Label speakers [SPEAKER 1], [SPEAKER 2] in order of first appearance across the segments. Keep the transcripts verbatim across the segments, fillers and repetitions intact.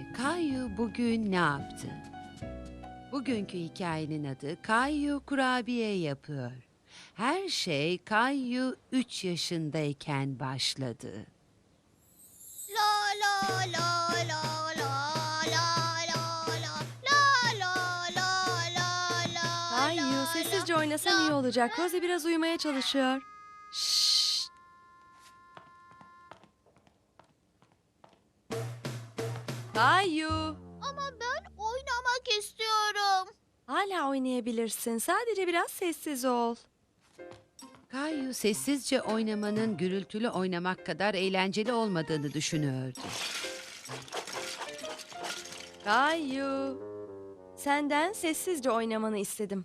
[SPEAKER 1] Kayu bugün ne yaptı? Bugünkü hikayenin adı Kayu kurabiye yapıyor. Her şey Kayu üç yaşındayken başladı.
[SPEAKER 2] La la la la la la la la la la la la la
[SPEAKER 3] Kayu, sessizce oynasan iyi olacak. Rosie biraz uyumaya çalışıyor.
[SPEAKER 1] Şşş!
[SPEAKER 3] Kayu,
[SPEAKER 2] Ama ben oynamak istiyorum.
[SPEAKER 3] hala oynayabilirsin. Sadece biraz sessiz ol.
[SPEAKER 1] Kayu sessizce oynamanın gürültülü oynamak kadar eğlenceli olmadığını düşünüyordu.
[SPEAKER 3] Kayu, senden sessizce oynamanı istedim.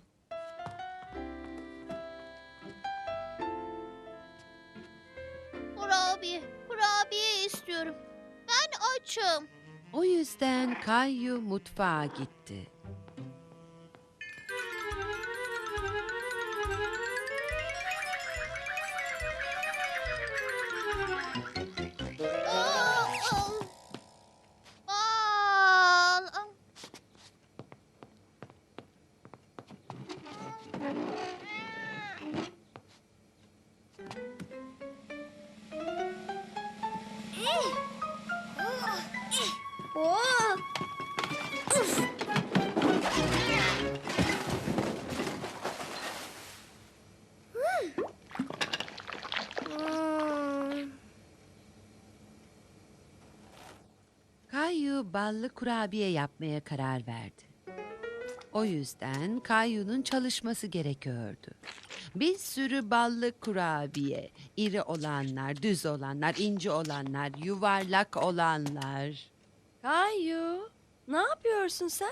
[SPEAKER 2] Kurabiye, kurabiye istiyorum. Ben açım.
[SPEAKER 1] O yüzden Kayu mutfağa gitti.
[SPEAKER 2] Aa, al. Al, al.
[SPEAKER 1] Kayu ballı kurabiye yapmaya karar verdi. O yüzden Kayu'nun çalışması gerekiyordu. Bir sürü ballı kurabiye, iri olanlar, düz olanlar, ince olanlar, yuvarlak olanlar.
[SPEAKER 3] Kayu, ne yapıyorsun sen?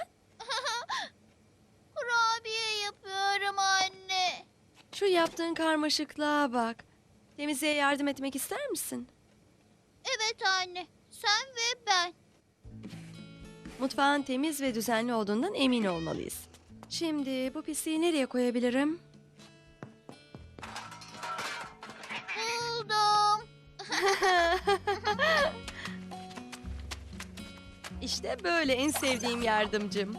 [SPEAKER 2] Kurabiye yapıyorum anne.
[SPEAKER 3] Şu yaptığın karmaşıklığa bak. Temizliğe yardım etmek ister misin?
[SPEAKER 2] Evet anne. Sen ve ben.
[SPEAKER 3] Mutfağın temiz ve düzenli olduğundan emin olmalıyız. Şimdi bu pisliği nereye koyabilirim?
[SPEAKER 2] Buldum.
[SPEAKER 3] İşte böyle en sevdiğim yardımcım.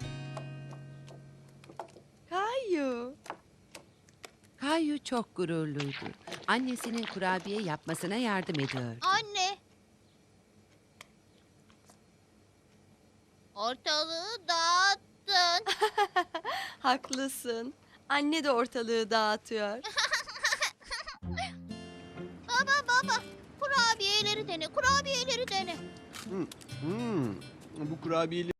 [SPEAKER 3] Kayu.
[SPEAKER 1] Kayu çok gururluydu. Annesinin kurabiye yapmasına yardım ediyordu.
[SPEAKER 2] Anne. Ortalığı dağıttın.
[SPEAKER 3] Haklısın. Anne de ortalığı dağıtıyor.
[SPEAKER 2] Baba baba. Kurabiyeleri dene. Kurabiyeleri dene.
[SPEAKER 4] Hmm, hmm. Bu kurabiyeleri